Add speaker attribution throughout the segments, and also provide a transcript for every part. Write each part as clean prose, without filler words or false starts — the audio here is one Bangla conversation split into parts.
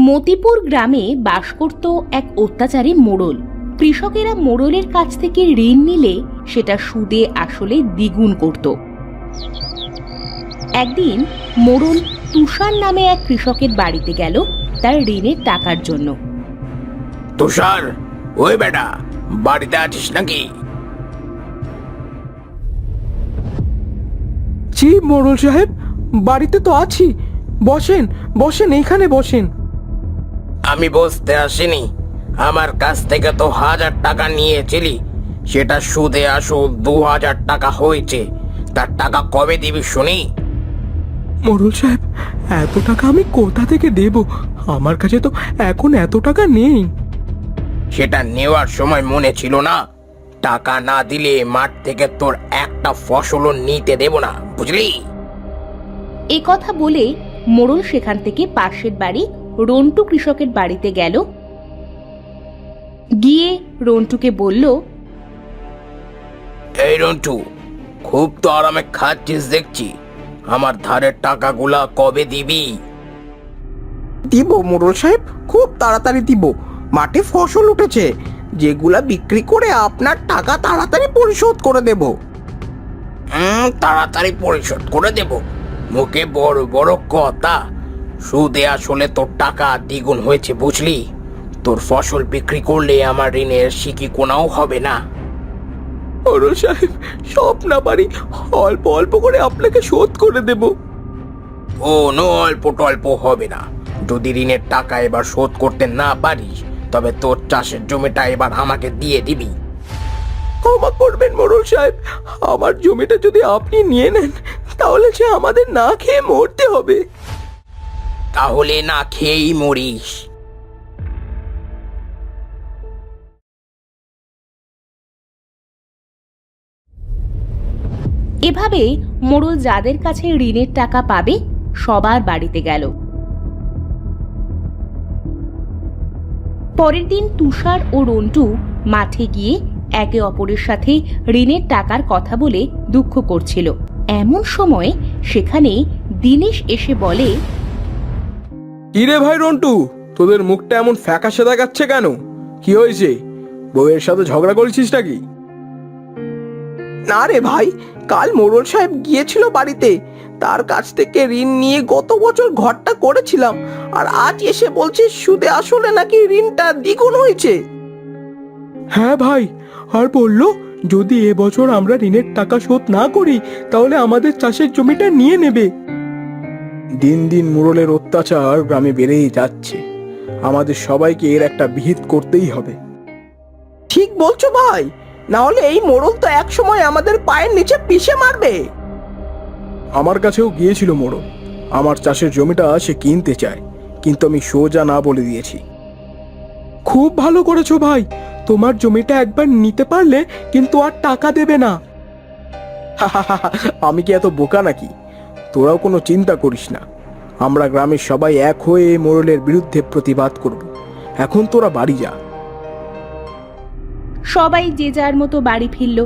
Speaker 1: মতিপুর গ্রামে বাস করত এক অত্যাচারী মোড়ল। কৃষকেরা মোড়লের কাছ থেকে ঋণ নিলে সেটা সুদে আসলে দ্বিগুণ করত। একদিন মোড়ল তুষার নামে এক কৃষকের বাড়িতে গেল তার ঋণের টাকার জন্য।
Speaker 2: তুষার, ওই বেটা, বাড়িতে আছিস নাকি?
Speaker 3: জি মোড়ল সাহেব, বাড়িতে তো আছি। বসেন বসেন, এইখানে বসেন।
Speaker 2: আমি বসতে আসিনি। আমার কাছ থেকে তো 1000 টাকা নিয়েছিলি, সেটা সুদে আসল 2000 টাকা হয়েছে। তার টাকা কবে দিবি শুনি?
Speaker 3: মোড়ল সাহেব, এত টাকা আমি কোথা থেকে দেব? আমার কাছে তো এখন এত টাকা নেই।
Speaker 2: সেটা নেওয়ার সময় মনে ছিল না? টাকা না দিলে মাঠ থেকে তোর একটা ফসলও নিতে দেব না, বুঝলি?
Speaker 1: এ কথা বলে মোড়ল সেখান থেকে পাশের বাড়ি রন্টু কৃষকের বাড়িতে গেল। গিয়ে রন্টুকে বলল,
Speaker 2: এই রন্টু, খুব তো আরামে খাচ্ছিস দেখছি। আমার ধারের টাকাগুলা কবে দিবি?
Speaker 4: দিব মোড়ল সাহেব, খুব তাড়াতাড়ি দিব। মাঠে ফসল উঠেছে, যেগুলা বিক্রি করে আপনার টাকা তাড়াতাড়ি পরিশোধ করে দেব।
Speaker 2: তাড়াতাড়ি পরিশোধ করে দেব? মুখে বড় বড় কথা, সুদে আসলে তোর টাকা দ্বিগুণ হয়েছে, বুঝলি? তোর ফসল বিক্রি করলে আমার ঋণের সিকি কোনাও হবে না।
Speaker 3: মোড়ল সাহেব, সব না পারি অল্প অল্প করে আপনাকে শোধ করে দেব।
Speaker 2: ও নো, অল্প টল্প হবে না। যদি ঋণের টাকা এবার শোধ করতে না পারিস, তবে তোর চাষের জমিটা এবার আমাকে দিয়ে দিবি।
Speaker 3: ক্ষমা করবেন মোড়ল সাহেব, আমার জমিটা যদি আপনি নিয়ে নেন তাহলে সে আমাদের না খেয়ে মরতে হবে।
Speaker 2: তাহলে না খেয়েই মরিস।
Speaker 1: এভাবে মোড়ল যাদের কাছে ঋণের টাকা পাবে সবার বাড়িতে গেল। পরের দিন তুষার ও রন্টু মাঠে গিয়ে একে অপরের সাথে ঋণের টাকার কথা বলে দুঃখ করছিল। এমন সময় সেখানে দীনেশ এসে বলে,
Speaker 3: কিরে ভাই রন্টু, তোদের মুখটা এমন ফ্যাকাশে দেখাচ্ছে কেন? কি হয়েছে? বউয়ের সাথে ঝগড়া করেছিস নাকি?
Speaker 4: না রে ভাই, কাল মোড়ল সাহেব গিয়েছিল বাড়িতে, তার কাছ থেকে ঋণ নিয়ে গত বছর ঘরটা করেছিলাম, আর আজ এসে বলছে সুদে আসলে নাকি ঋণটা দ্বিগুণ হয়েছে।
Speaker 3: হ্যাঁ ভাই, আর বললো যদি এবছর আমরা ঋণের টাকা শোধ না করি তাহলে আমাদের চাষের জমিটা নিয়ে নেবে। দিন দিন মোড়লের অত্যাচার গ্রামে বেড়েই যাচ্ছে। আমাদের সবাইকে এর একটা বিহিত করতেই হবে।
Speaker 4: ঠিক বলছো ভাই, না হলে এই মোড়ল তো এক সময় আমাদের পায়ের নিচে পিষে মারবে।
Speaker 3: আমার কাছেও গিয়েছিল মোড়ল, আমার চাষের জমিটা সে কিনতে চায়, কিন্তু আমি সোজা না বলে দিয়েছি। খুব ভালো করেছো ভাই, তোমার জমিটা একবার নিতে পারলে কিন্তু আর টাকা দেবে না। আমি কি এত বোকা নাকি? তোরাও কোনো চিন্তা করিস না, আমরা গ্রামের সবাই এক হয়ে মোড়লের বিরুদ্ধে প্রতিবাদ করব। এখন তোরা বাড়ি যা।
Speaker 1: সবাই যে যার মতো বাড়ি ফিরল।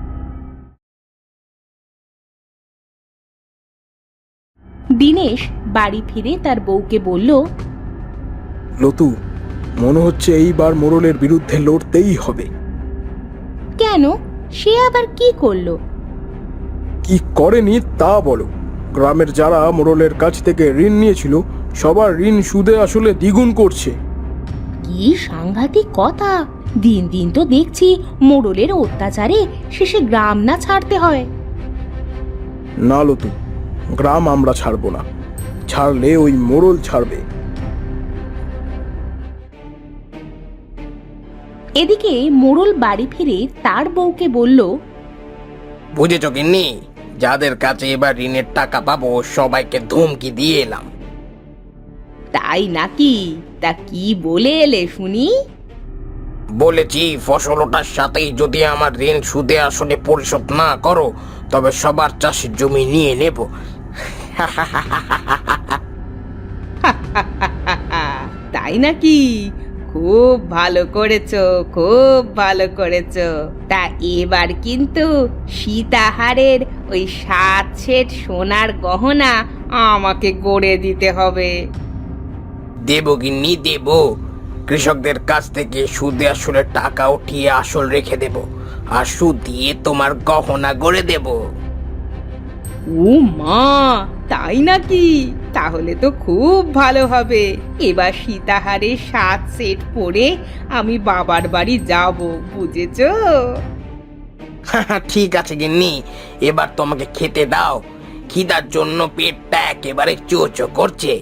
Speaker 1: দীনেশ বাড়ি ফিরে তার বউকে বলল,
Speaker 3: লতু, মনে হচ্ছে এইবার মোড়লের বিরুদ্ধে লড়তেই হবে।
Speaker 1: কেন? সে আবার কি করলো?
Speaker 3: কি করেনি তা বলো। গ্রামের যারা মোড়লের কাছ থেকে ঋণ নিয়েছিল সবার ঋণ সুদে আসলে দ্বিগুণ করছে।
Speaker 1: কি সাংঘাতিক কথা! দিন দিন তো দেখছি মোড়লের অত্যাচারে শেষে গ্রাম না ছাড়তে হয়।
Speaker 3: না লতু, গ্রাম আমরা ছাড়বো না, ছাড়লে ওই মোড়ল ছাড়বে।
Speaker 1: এদিকে মোড়ল বাড়ি ফিরে তার বউকে বলল,
Speaker 2: বুঝেছ কিন্নি, যাদের কাছে এবার ঋণের টাকা পাবো সবাইকে ধমকি দিয়ে এলাম।
Speaker 1: তাই নাকি? তা কি বলে এলে শুনি?
Speaker 2: বলেছি ফসল ওঠার সাথেই যদি আমার ঋণ সুদে আসলে পরিশোধ না করো, তবে সবার চাষের জমি নিয়ে নেব।
Speaker 1: তাই নাকি? খুব ভালো করেছো, খুব ভালো করেছো। তা এবার কিন্তু সীতাহারের ওই 7 সেট সোনার গহনা আমাকে গড়ে দিতে হবে।
Speaker 2: দেব গিন্নি দেব। কৃষকদের কাছ থেকে সুদে আসলে টাকা উঠিয়ে আসল রেখে দেব, আর সুদ দিয়ে তোমার গহনা গড়ে দেব।
Speaker 1: ও মা, তাই নাকি? তাহলে তো খুব ভালো হবে। এবার সীতাহারের 7 সেট পরে আমি বাবার বাড়ি যাব, বুঝেছো?
Speaker 2: ঠিক আছে গিন্নি, এবার তোমাকে খেতে দাও। খিদার জন্য পেটটা একেবারে চোচো করছে।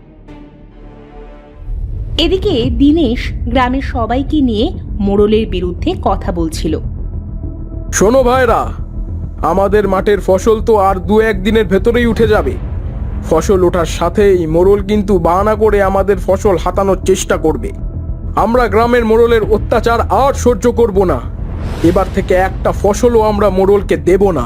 Speaker 1: এদিকে দিনেশ গ্রামের সবাইকে নিয়ে মোড়লের বিরুদ্ধে কথা বলছিল।
Speaker 3: শোনো ভাইরা, আমাদের মাঠের ফসল তো আর 2-1 দিনের ভেতরেই উঠে যাবে। ফসল ওঠার সাথেই মোড়ল কিন্তু বাহানা করে আমাদের ফসল হাতানোর চেষ্টা করবে। আমরা গ্রামের মোড়লের অত্যাচার আর সহ্য করব না। এবার থেকে একটা ফসলও আমরা মোড়লকে দেব না।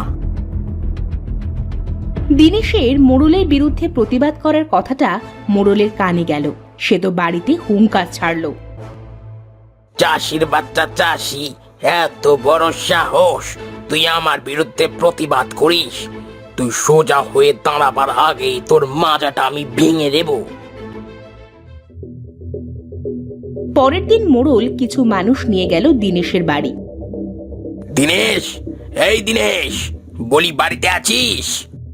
Speaker 1: দিনেশের মোড়লের বিরুদ্ধে প্রতিবাদ করার কথাটা মোড়লের কানে গেল। সে তো বাড়িতে হুঙ্কার ছাড়ল।
Speaker 2: চাষির বাচ্চা চাষি, এত বড় সাহস! তুই আমার বিরুদ্ধে প্রতিবাদ করিস? তুই সোজা হয়ে দাঁড়াবার আগেই তোর মাজাটা আমি ভেঙে দেব।
Speaker 1: পরের দিন মোড়ল কিছু মানুষ নিয়ে গেল দিনেশের বাড়ি।
Speaker 2: দিনেশ, এই দিনেশ, বলি বাড়িতে আছিস?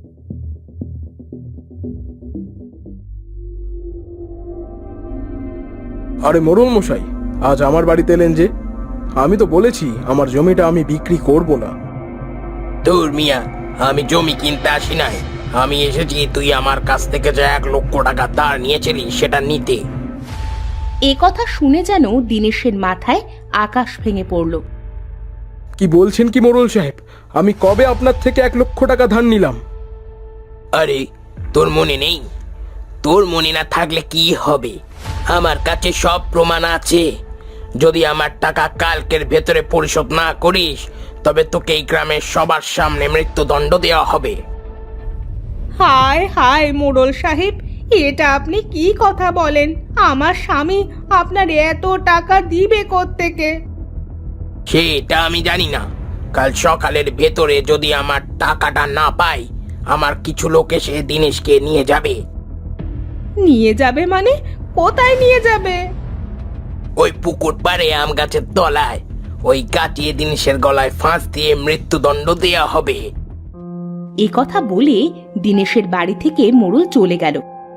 Speaker 3: আরে মোড়ল মশাই, আজ আমার বাড়িতে এলেন যে? আমি তো বলেছি আমার জমিটা আমি বিক্রি করব না।
Speaker 2: তোর মিয়া, আমি জমি কিনতে আসি নাই। আমি এসেছি তুই আমার কাছ থেকে যে 1 লক্ষ টাকা ধার নিয়েছিলি সেটা নিতে।
Speaker 1: এ কথা শুনে যেন দিনেশের মাথায় আকাশ ভেঙে পড়ল।
Speaker 3: কি বলছেন কি মোড়ল সাহেব? আমি কবে আপনার থেকে 1 লক্ষ টাকা ধার নিলাম?
Speaker 2: আরে, তোর মনে নেই? তোর মনে না থাকলে কি হবে? আমার কাছে সব প্রমাণ আছে। যদি আমার টাকা কালকের ভেতরে পরিশোধ না করিস, তবে তোকে এই গ্রামের সবার সামনে মৃত্যুদণ্ড দেওয়া হবে।
Speaker 1: হায় হায় মোড়ল সাহেব, এটা আপনি কি কথা বলেন? আমার স্বামী আপনার এত টাকা দিবে কোত্থেকে?
Speaker 2: সেটা আমি জানি না। কাল সকালের ভেতরে যদি আমার টাকাটা না পাই, আমার কিছু লোক এসে দিনেশকে নিয়ে যাবে।
Speaker 1: নিয়ে যাবে মানে? কোথায় নিয়ে যাবে?
Speaker 2: ওই পুকুর পাড়ে আম গাছের তলায়। ওই কাটিয়ে দিনেশের গলায় ফাঁস দিয়ে মৃত্যুদণ্ড দেয়া হবে।
Speaker 1: এ কথা বলে দিনেশের বাড়ি থেকে মোড়ল চলে গেল।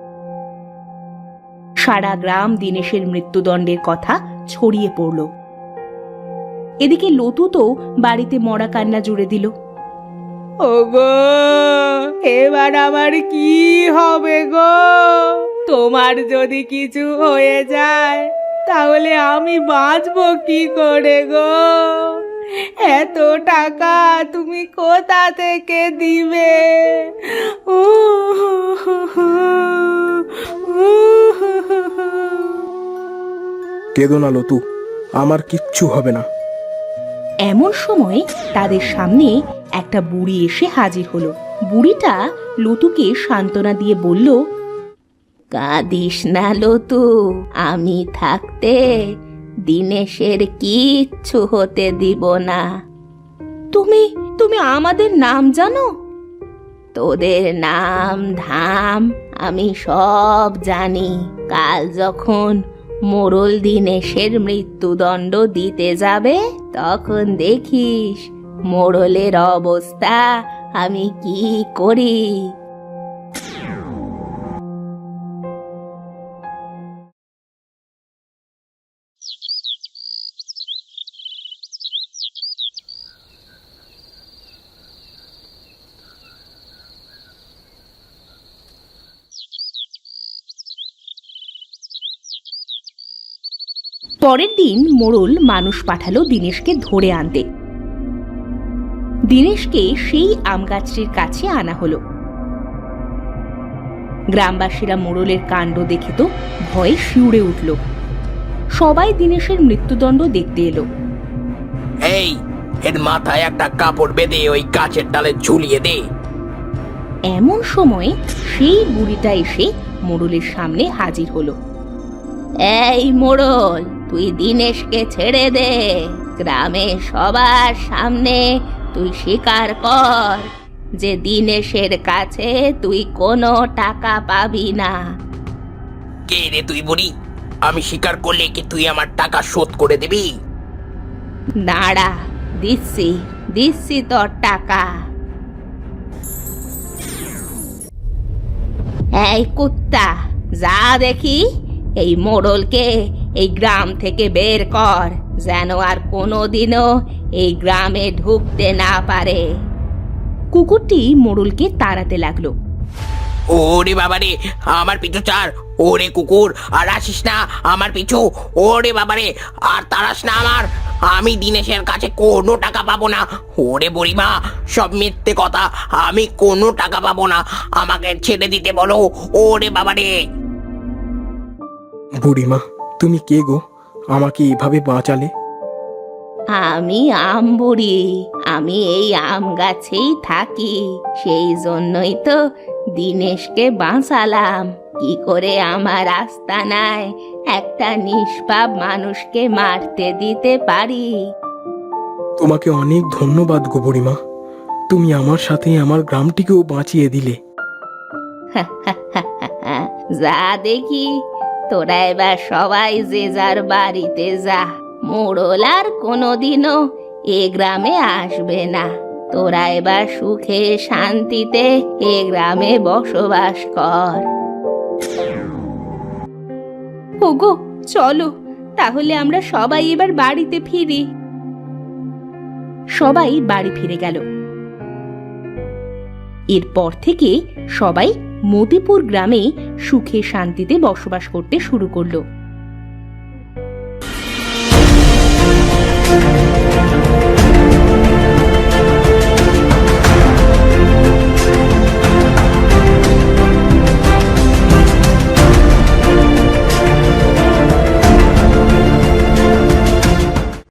Speaker 1: সারা গ্রাম দিনেশের মৃত্যুদণ্ডের কথা ছড়িয়ে পড়ল। এদিকে লতু তো বাড়িতে মরা কান্না জুড়ে দিল। ওগো, এবার আমার কি হবে গো? তোমার যদি কিছু হয়ে যায় তাহলে আমি বাঁচবো কি করে গো? এত টাকা তুমি কোথা থেকে দিবে?
Speaker 3: কেঁদো না লতু, আমার কিচ্ছু হবে না।
Speaker 1: এমন সময় তাদের সামনে একটা বুড়ি এসে হাজির হলো। বুড়িটা লতুকে সান্ত্বনা দিয়ে বলল, কাঁদিস না লতু, আমি থাকতে দিনেশের কিচ্ছু হতে দিব না। তুমি তুমি আমাদের নাম জানো? তোদের নাম ধাম আমি সব জানি। কাল যখন মোড়ল দিনেশের মৃত্যুদণ্ড দিতে যাবে, তখন দেখিস মোড়লের অবস্থা আমি কি করি। পরের দিন মোড়ল মানুষ পাঠালো দিনেশকে ধরে আনতে। দিনেশকে সেই আম গাছটির কাছে আনা হলো। গ্রামবাসীরা মোড়লের কাণ্ড দেখে তো ভয়ে শিউরে উঠল। সবাই দিনেশের মৃত্যুদণ্ড দেখতে এলো।
Speaker 2: এই, এর মাথায় একটা কাপড় বেঁধে ওই গাছের ডালে ঝুলিয়ে দে।
Speaker 1: এমন সময় সেই বুড়িটা এসে মোড়লের সামনে হাজির হলো। এই মোড়ল, তুই দিনেশকে ছেড়ে দে। গ্রামে সবার সামনে তুই স্বীকার কর যে দিনেশের কাছে তুই কোনো টাকা পাবি না।
Speaker 2: কে রে তুই বুড়ি? আমি স্বীকার করলে কি তুই আমার টাকা শোধ করে দিবি?
Speaker 1: দাঁড়া, দিচ্ছি দিচ্ছি তোর টাকা। এই কুত্তা, যা দেখি এই মোড়লকে এই গ্রাম থেকে বের কর, যেন আর কোনোদিনও এই গ্রামে ঢুকতে না পারে। কুকুরটি মোড়লকে তাড়াতে লাগলো।
Speaker 2: ওরে বাবারে, আমার পিছু ছাড়। ওরে কুকুর, আর আসিস না আমার পিছু। ওরে বাবারে, আর তাড়াস না আমার। আমি দিনেশের কাছে কোনো টাকা পাবো না। ওরে বুড়িমা, সব মিথ্যে কথা। আমি কোনো টাকা পাবো না, আমাকে ছেড়ে দিতে বলো। ওরে বাবারে।
Speaker 3: বুড়িমা, তুমি কে গো? আমাকে এভাবে বাঁচালে?
Speaker 1: আমি আম বুড়ি, আমি এই আম গাছেই থাকি, সেই জন্যই তো দিনেশকে বাঁচালাম। কি করে আমার আস্তানায় একটা নিষ্পাপ মানুষকে মারতে দিতে পারি?
Speaker 3: তোমাকে অনেক ধন্যবাদ গো বুড়িমা। তুমি আমার সাথে আমার গ্রামটিকেও বাঁচিয়ে দিলে।
Speaker 1: যা দেখি, তোরা এবার সবাই যে যার বাড়িতে যা। মোড়ল আর কোনোদিনও এ গ্রামে আসবে না। তোরা এবার সুখে শান্তিতে এ গ্রামে বসবাস কর। ওগো, চলো তাহলে আমরা সবাই এবার বাড়িতে ফিরি। সবাই বাড়ি ফিরে গেল। এরপর থেকে সবাই মতিপুর গ্রামে সুখে শান্তিতে বসবাস করতে শুরু করলো।